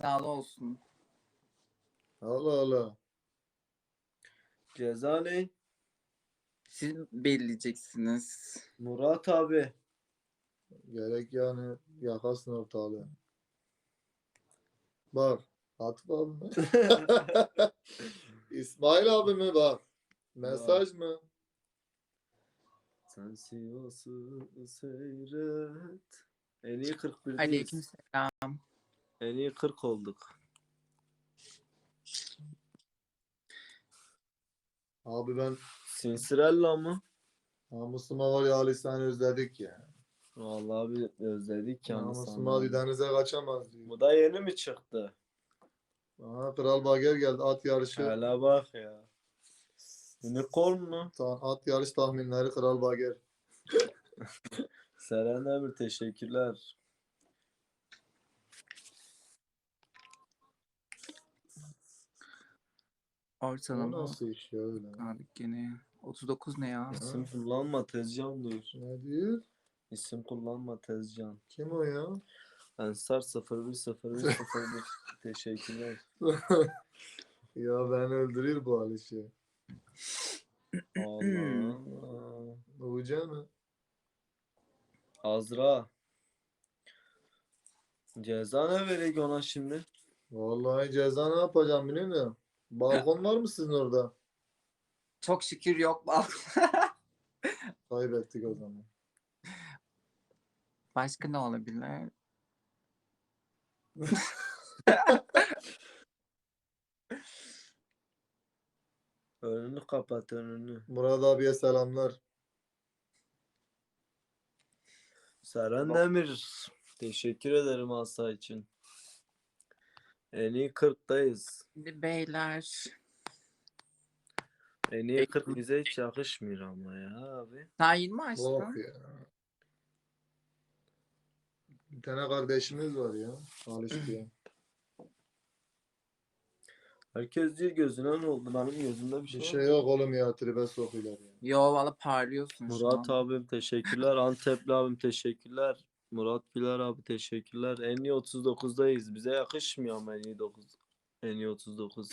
Sağlı olsun. Allah Allah. Ceza ne? Siz belirleyeceksiniz. Murat abi. Gerek yani yakasın ortalığı. Bak. Atıf abi mi? İsmail abi mi bak. Mesaj mı? Sen Sivas'ı seyret. En iyi 41'deyiz. Aleykümselam. En iyi 40 olduk. Abi ben Sinsirella mı? namusuma var ya Ali seni özledik ya. Vallahi bir özledik yani Namusuma sana. denize kaçamaz diyor. Bu da yeni mi çıktı? Aha, Kral Bager geldi at yarışı. Hele bak ya. Unicorn mu? At yarış tahminleri Kral Bager. Seren Emir teşekkürler. O Ortalama. nasıl iş ya öyle? Abi gene 39 ne ya? İsim kullanma Tezcan diyor. Ne diyor? İsim kullanma Tezcan. Kim o ya? Ensar 010101 teşekkürler. Ya beni öldürür bu Alişi. Allah Allah. Uca mı? Azra. Ceza ne verecek ona şimdi? Vallahi ceza ne yapacağım biliyor musun? Balkon var mı sizin orada? Çok şükür yok. Kaybettik o zaman. Başka ne olabilir? Önünü kapat önünü. Murat abiye selamlar. Seren Demir. Teşekkür ederim Asa için. En iyi 40'tayız. Şimdi beyler. En iyi 40 bize hiç yakışmıyor ama ya abi. Sen 20 Of açtın. ya. Bir tane kardeşimiz var ya. Aliş diye. Herkes diyor gözüne ne oldu? Benim gözümde bir Bir şey şey var. yok oğlum ya. Tribe sokuyorlar ya. Yo valla parlıyorsun şu Murat an. abim teşekkürler. Antepli abim teşekkürler. Murat Güler abi teşekkürler. En iyi 39'dayız. Bize yakışmıyor ama en iyi 9. En iyi 39.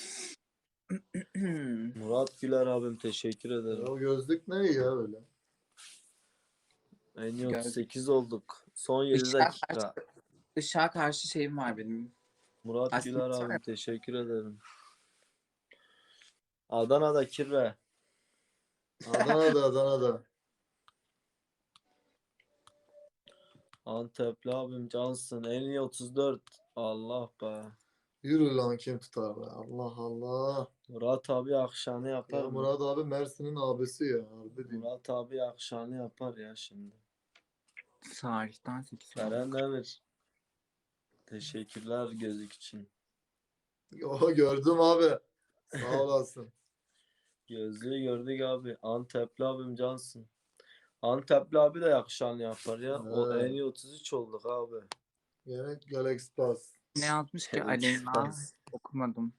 Murat Güler abim teşekkür ederim. O gözlük ne ya öyle? En iyi 38 olduk. Son 7 Işığa dakika. karşı, ışığa karşı şeyim var benim. Murat Aslında Güler var. abim teşekkür ederim. Adana'da kirve. Adana'da. Antepli abim cansın. En iyi 34. Allah be. Yürü lan kim tutar be? Allah Allah. Murat abi akşamı yapar Ya mı? Murat abi Mersin'in abisi ya. Harbi diyeyim. Murat abi akşamı yapar ya şimdi. Tarihten 8 Seren Demir. Teşekkürler gözlük için. Yo gördüm abi. Sağ olasın. Gözlüğü gördük abi. Antepli abim cansın. Antepli abi de yakışanı yapar ya. O Evet. en iyi 33 olduk abi. Gene Galaxy Pass. Ne yazmış ki Felix Aleyna? Pass. Okumadım.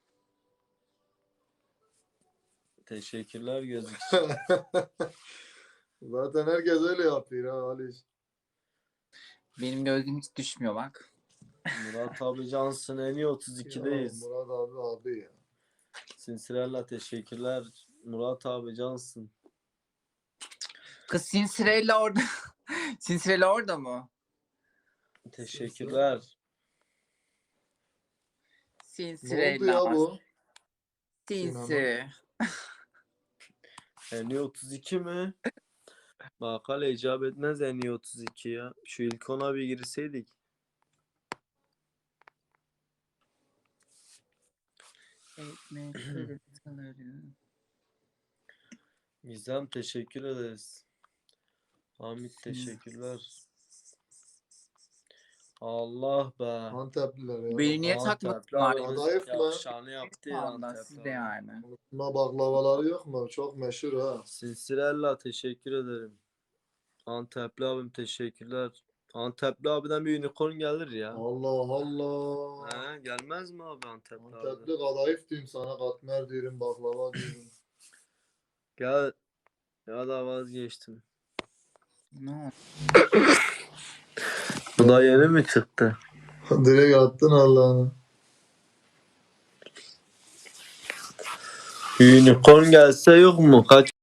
Teşekkürler gözlük için. Zaten herkes öyle yapıyor ha Aliş. Benim gözüm hiç düşmüyor bak. Murat abi cansın. En iyi Ya 32'deyiz. Murat abi ya. Sinsirella teşekkürler. Murat abi cansın. Kız Sinsirella orada. Sinsirella orada mı? Teşekkürler. Ne oldu Sinsirella. ya bu? Sinsi. En iyi 32 mi? Bak hala icap etmez en iyi 32 ya. Şu ilk ona bir girseydik. Ekmek kırıntıları. Gizem teşekkür ederiz. Hamit teşekkürler. Allah be. Antepliler ya. Beni niye Antepli takmadılar? abimiz Adayıf mı? yakışanı yaptı ya Vallahi Antepli siz de abi. yani. Unutma baklavaları yok mu? Çok meşhur ha. Sinsirella teşekkür ederim. Antepli abim teşekkürler. Antepli abiden bir unicorn gelir ya. Allah Allah. He, gelmez mi abi Antepli abi? Antepli kadayıf diyeyim sana. Katmer diyorum. Baklava diyorum. Gel. Ya da vazgeçtim. Ne oldu? Bu da yeni mi çıktı? Direkt attın Allah'ını. Unicorn gelse yok mu? Kaç